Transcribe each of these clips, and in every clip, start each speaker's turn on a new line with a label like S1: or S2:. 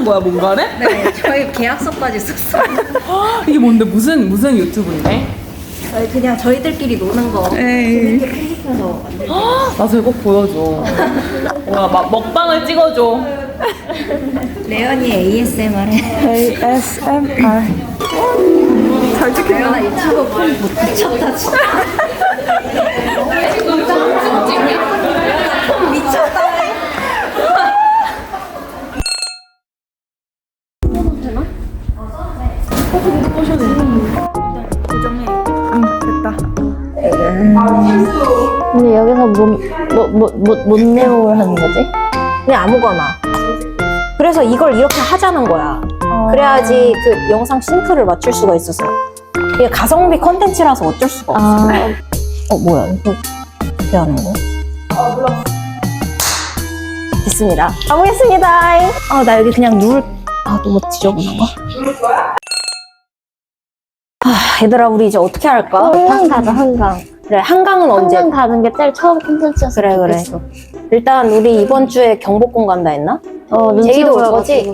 S1: 거야 뭔가를?
S2: 네, 저희 계약서까지 썼어요.
S1: 이게 뭔데 무슨 유튜브인데?
S2: 저희 그냥 저희들끼리 노는 거
S1: 에이.
S2: 재밌게 편집해서 만들고.
S1: 나 저거 꼭 보여줘. 와, 막 먹방을 찍어줘.
S2: 레연이 ASMR 해.
S1: ASMR. 잘 찍힌다.
S2: 레연아 유튜브 폰 못 미쳤다 진짜. 폰 미쳤다.
S3: 근데 여기서 뭔 내용을 하는 거지?
S2: 그냥 아무거나. 그래서 이걸 이렇게 하자는 거야. 그래야지 그 영상 싱크를 맞출 수가 있었어. 이게 가성비 컨텐츠라서 어쩔 수가 없어. 뭐야 이거 어떻게 하는 거야? 됐습니다. 가보겠습니다. 나 여기 그냥 너무 지저분한 거? 얘들아 우리 이제 어떻게 할까?
S3: 한강 가자, 한강.
S2: 그래 한강은 언제?
S3: 한강 가는 게 제일 처음 콘텐츠였어.
S2: 그래. 일단 우리 이번 주에 경복궁 간다 했나? 제이도 올 거지?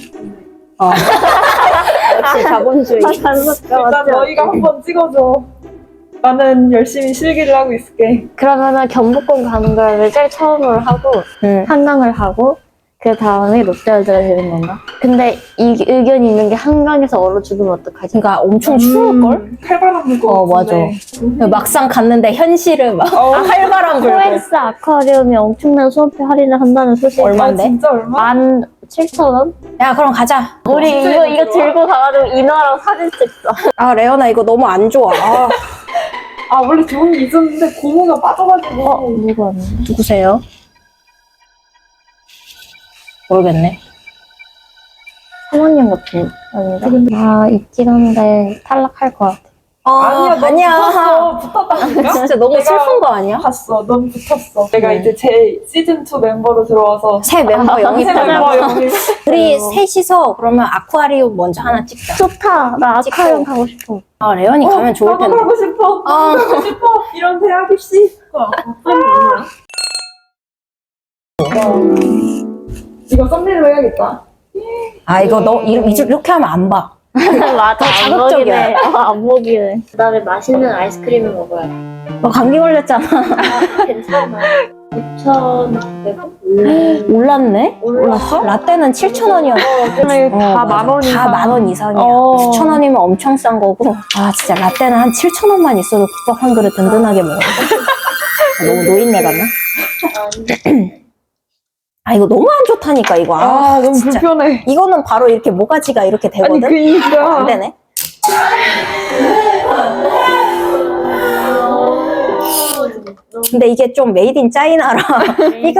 S2: 역시 자본주의.
S4: 일단 너희가 한번 찍어줘. 나는 열심히 실기를 하고 있을게.
S3: 그러면은 경복궁 가는 걸 제일 처음으로 하고 한강을 하고 그 다음에 롯데월드가 되는 건가? 근데 이 의견이 있는 게 한강에서 얼어 죽으면 어떡하지?
S2: 그러니까 엄청 추울걸?
S4: 칼바람 불고.
S2: 맞아. 막상 갔는데 현실은 막 활발한 불고.
S3: 코엑스 아쿠아리움이 엄청난 수업비 할인을 한다는 소식.
S2: 얼마인데?
S4: 진짜 얼마?
S3: 17,000원?
S2: 야 그럼 가자.
S3: 우리 이거 들고 가가지고 인화랑 사진 찍자.
S2: 레연아 이거 너무 안 좋아.
S4: 원래 좋은 게 있었는데 고무가 빠져가지고.
S3: 누구 왔는데?
S2: 누구세요? 모르겠네.
S3: 사모님 같은 아닌가? 있긴 한데 탈락할 것 같아.
S4: 아니야. 붙었다니까?
S2: 진짜 너무 슬픈 거 아니야?
S4: 봤어. 넌 붙었어. 내가 이제 제 시즌2 멤버로 들어와서
S2: 새 멤버
S4: 새
S2: 영입하자.
S4: 멤버 영입.
S2: 우리 셋이서 그러면 아쿠아리움 먼저 하나 찍자.
S3: 좋다. 나 아쿠아리움 가고 싶어.
S2: 레연이 가면 좋을
S4: 나도
S2: 텐데.
S4: 가고 싶어. 가고 싶어. 이런 대학 입시. 이거 썸네일로 해야겠다.
S2: 이거 이렇게 하면 안 봐.
S3: 맞아.
S2: 자극적이야.
S3: 안 먹이네. 그 다음에 맛있는 아이스크림을 먹어야 돼.
S2: 너 감기 걸렸잖아.
S3: 괜찮아. 9,900원.
S2: 올랐네?
S3: 올랐어?
S2: 라떼는 7,000원이었어.
S4: 근데 다 만 원 이상.
S2: 다 10,000원 이상이야. 9,000원이면 엄청 싼 거고. 진짜 라떼는 한 7,000원만 있어도 국밥 한 그릇 든든하게 먹어. 너무 노인네 같나? 이거 너무 안 좋다니까 이거.
S4: 너무
S2: 진짜.
S4: 불편해.
S2: 이거는 바로 이렇게 모가지가 이렇게 되거든.
S4: 그니까.
S2: 안 되네. 근데 이게 좀 메이드 인 짜이나라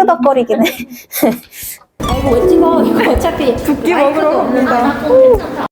S2: 삐그덕거리긴 해. 이거 왜 찍어? 이거 어차피
S4: 붓기 먹으러 갑니다.